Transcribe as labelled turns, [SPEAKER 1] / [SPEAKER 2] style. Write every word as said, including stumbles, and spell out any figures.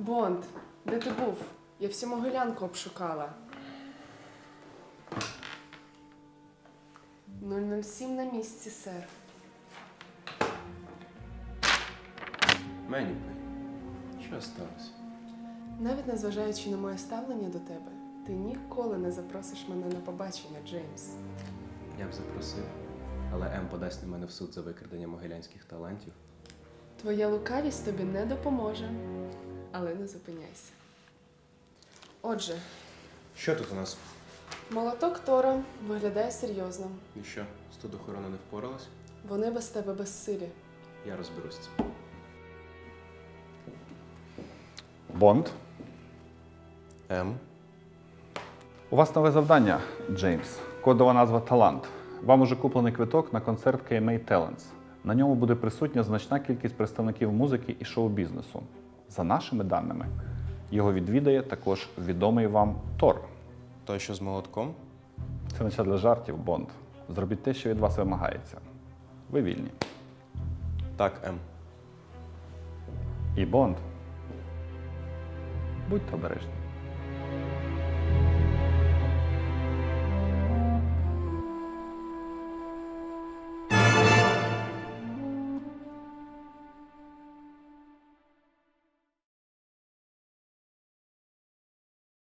[SPEAKER 1] Бонд, де ти був? Я всю Могилянку обшукала. нуль нуль сім на місці, сер.
[SPEAKER 2] Мені, що сталося?
[SPEAKER 1] Навіть незважаючи на моє ставлення до тебе, ти ніколи не запросиш мене на побачення, Джеймс.
[SPEAKER 2] Я б запросив, але Ем подасть на мене в суд за викрадення могилянських талантів.
[SPEAKER 1] Твоя лукавість тобі не допоможе, але не зупиняйся. Отже,
[SPEAKER 2] Що тут у нас?
[SPEAKER 1] молоток Тора виглядає серйозно.
[SPEAKER 2] І що, студохорона не впоралась?
[SPEAKER 1] Вони без тебе безсилі.
[SPEAKER 2] Я розберусь з цим.
[SPEAKER 3] Бонд.
[SPEAKER 2] Ем?
[SPEAKER 3] У вас нове завдання, Джеймс. Кодова назва «Талант». Вам уже куплений квиток на концерт кей ем ей Talents. На ньому буде присутня значна кількість представників музики і шоу-бізнесу. За нашими даними, його відвідає також відомий вам Тор.
[SPEAKER 2] Той, що з молотком?
[SPEAKER 3] Це не час для жартів, Бонд. Зробіть те, що від вас вимагається. Ви вільні.
[SPEAKER 2] Так, Ем.
[SPEAKER 3] І Бонд. Будьте обережні.